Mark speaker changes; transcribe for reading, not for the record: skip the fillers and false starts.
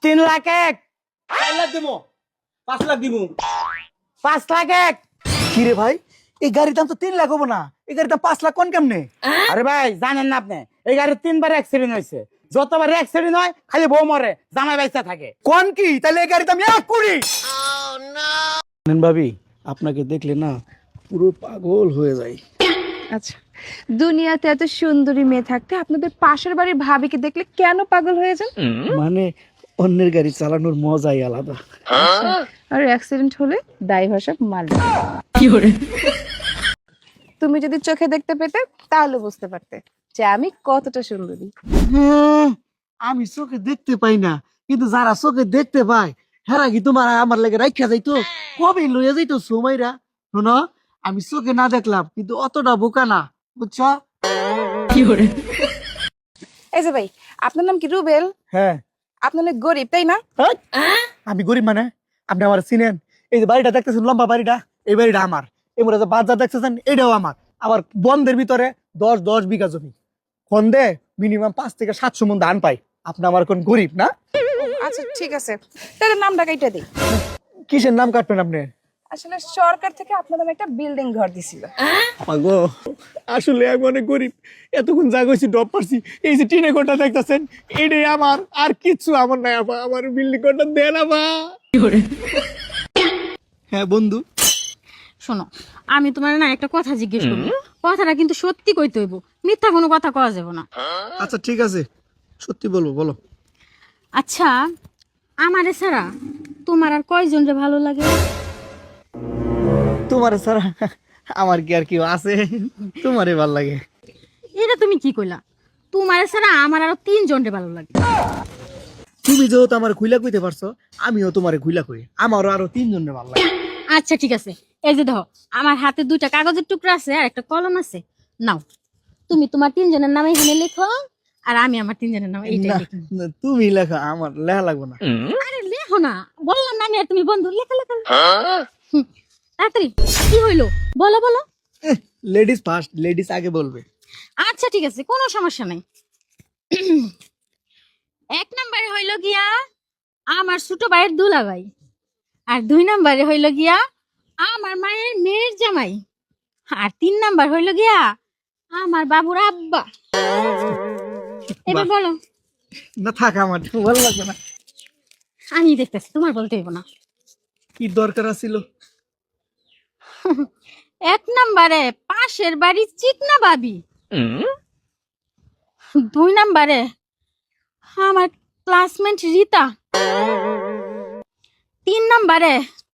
Speaker 1: 3,01,000
Speaker 2: 4 লাখ দিব 5 লাখ দিব
Speaker 1: 5,01,000
Speaker 3: কি রে ভাই এই গাড়ির দাম তো 3 লাখ হবো না এই গাড়ির দাম 5 লাখ কোন কেমনে?
Speaker 1: আরে ভাই জানেন না আপনি এই গাড়ির 3বার অ্যাক্সিডেন্ট হয়েছে, যতবার অ্যাক্সিডেন্ট হয় খালি বউ মরে জামাই বাইচা থাকে।
Speaker 3: কোন কি তাহলে এই গাড়ির দাম 1 কোটি? নেন ভাবি আপনাকে দেখলে না পুরো পাগল হয়ে যায়।
Speaker 4: আচ্ছা, দুনিয়াতে এত সুন্দরী মেয়ে থাকতে আপনাদের পাশের বাড়ির ভাবিকে দেখলে কেন পাগল হয়ে যান?
Speaker 3: মানে অন্যের গাড়ি চালানোর মজাই আলাদা।
Speaker 4: আর অ্যাক্সিডেন্ট হলে দায়ভার সব মালিক। তুমি যদি চোখে দেখতে পেতে তাহলে বুঝতে পারতে যে আমি কতটা সুন্দরী।
Speaker 3: হ্যাঁ, আমি চোখে দেখতে পাই না কিন্তু যারা চোখে দেখতে পায় হেরা কি তোমার আমার লাগে রাখিয়া যাইতো কবে লইয়া যাইতো সময়রা। শোনো আমি চোখে না দেখলাম কিন্তু অতটা বোকা না বুঝছো?
Speaker 4: এই যে ভাই, আপনার নাম কি রুবেল?
Speaker 3: হ্যাঁ।
Speaker 4: আপনার অনেক গরিব তাই না?
Speaker 3: হেই, আমি গরিব মানে আপনি আমার চিনেন? এই যে বাড়িটা দেখতেছেন লম্বা বাড়িটা, এই বাড়িটা আমার। এমরা যে বাজার দেখতেছেন এটাও আমার। আবার বন্ধের ভিতরে 10 বিঘা জমি, খন্দে মিনিমাম 5 থেকে 700 মন ধান পাই। আপনি আমার কোন গরিব না?
Speaker 4: আচ্ছা ঠিক আছে, তাহলে নামটা কাইটা দিই।
Speaker 3: কিসের নাম কাটবেন আপনি?
Speaker 4: আসলে সরকার থেকে আপনার নামে একটা বিল্ডিং ঘর দিছিল।
Speaker 3: আগো আসলে আমি অনেক গরিব, এতক্ষণ যা গেছি ডব পারছি। এই যে টিনে ঘরটা দেখতেছেন এটাই আমার, আর কিচ্ছু আমার নাই। আপা আমার বিল্ডিং ঘরটা দেন আপা। হ্যাঁ বন্ধু।
Speaker 5: শোনো, আমি তোমার না একটা কথা জিজ্ঞেস করবো, কথাটা কিন্তু সত্যি কইতে হইব, মিথ্যা কোনো কথা কওয়া যাবে না।
Speaker 3: আচ্ছা ঠিক আছে, সত্যি বলবো, বলো।
Speaker 5: আচ্ছা, আমারে ছাড়া তোমার আর কয়জন রে ভালো লাগে?
Speaker 3: তোমার স্যার আমার কি আর কেউ আছে? তোমারে ভাল লাগে।
Speaker 5: এটা তুমি কি কইলা? তোমার ছাড়া আমার আরো 3জন রে ভালো লাগে।
Speaker 3: তুমি যেহেতু আমার খুইলা কইতে পারছো, আমিও তোমারে খুইলা কই, আমারও আরো 3 জনের ভাল লাগে।
Speaker 5: আচ্ছা ঠিক আছে, এই যে দেখো আমার হাতে 2টা কাগজের টুকরা আছে আর একটা কলম আছে, নাও তুমি তোমার 3জনের নাম এখানে লেখো আর আমি আমার 3জনের নাম এইটা
Speaker 3: না,
Speaker 5: লিখি।
Speaker 3: না, তুমি লেখা, আমার লেখা লাগবে না।
Speaker 5: আরে লেখো না, বললাম না আমি আর তুমি বন্ধু, লেখা লেখা। হুম, তাড়াতাড়ি কি হইলো বলো বলো।
Speaker 3: লেডিস ফার্স্ট, লেডিস আগে বলবে।
Speaker 5: আচ্ছা ঠিক আছে, কোনো সমস্যা নাই। 1 নম্বরে হইল গিয়া আমার ছোট ভাইয়ের দুলাভাই, আর 2 নম্বরে হইল গিয়া আমার মায়ের মেয়ের জামাই, আর 3 নাম্বার হইল গিয়া আমার বাবুর আব্বা। এবার
Speaker 3: বাহ।
Speaker 5: বলো।
Speaker 3: না থাক, আমার ভালো লাগবে না।
Speaker 5: আমি দেখতেছি, তোমার বলতে হইব না।
Speaker 3: কি দরকার ছিল?
Speaker 5: 1 নম্বরে পাশের বাড়ি চিকনা ভাবি, 2 নম্বরে আমার ক্লাসমেট রীতা, 3 নম্বরে